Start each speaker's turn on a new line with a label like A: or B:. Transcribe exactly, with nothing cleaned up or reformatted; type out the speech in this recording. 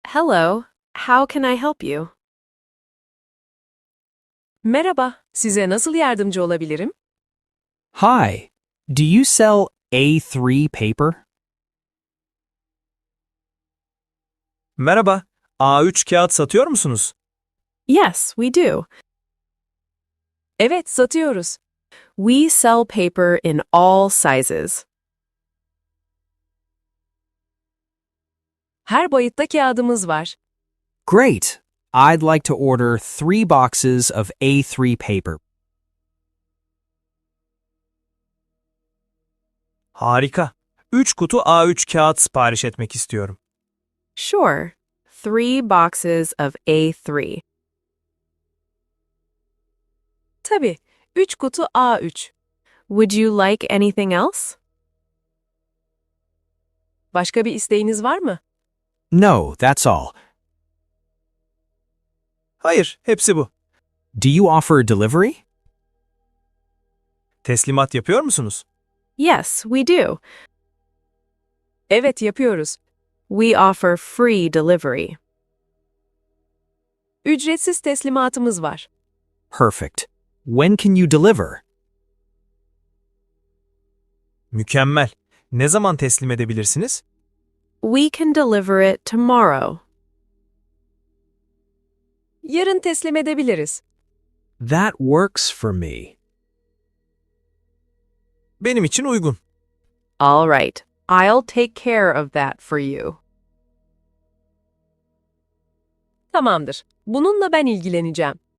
A: Hello, how can I help you?
B: Merhaba, size nasıl yardımcı olabilirim?
C: Hi, do you sell A three paper?
D: Merhaba, A üç kağıt satıyor musunuz?
A: Yes, we do.
B: Evet, satıyoruz.
A: We sell paper in all sizes.
B: Her boyutta kağıdımız var.
C: Great! I'd like to order three boxes of A three paper.
D: Harika. üç kutu A üç kağıt sipariş etmek istiyorum.
A: Sure. Three boxes of A three.
B: Tabii, üç kutu A üç.
A: Would you like anything else?
B: Başka bir isteğiniz var mı?
C: No, that's all.
D: Hayır, hepsi bu.
C: Do you offer delivery?
D: Teslimat yapıyor musunuz?
A: Yes, we do.
B: Evet, yapıyoruz.
A: We offer free delivery.
B: Ücretsiz teslimatımız var.
C: Perfect. When can you deliver?
D: Mükemmel. Ne zaman teslim edebilirsiniz?
A: We can deliver it tomorrow.
B: Yarın teslim edebiliriz.
C: That works for me.
D: Benim için uygun.
A: All right. I'll take care of that for you.
B: Tamamdır. Bununla ben ilgileneceğim.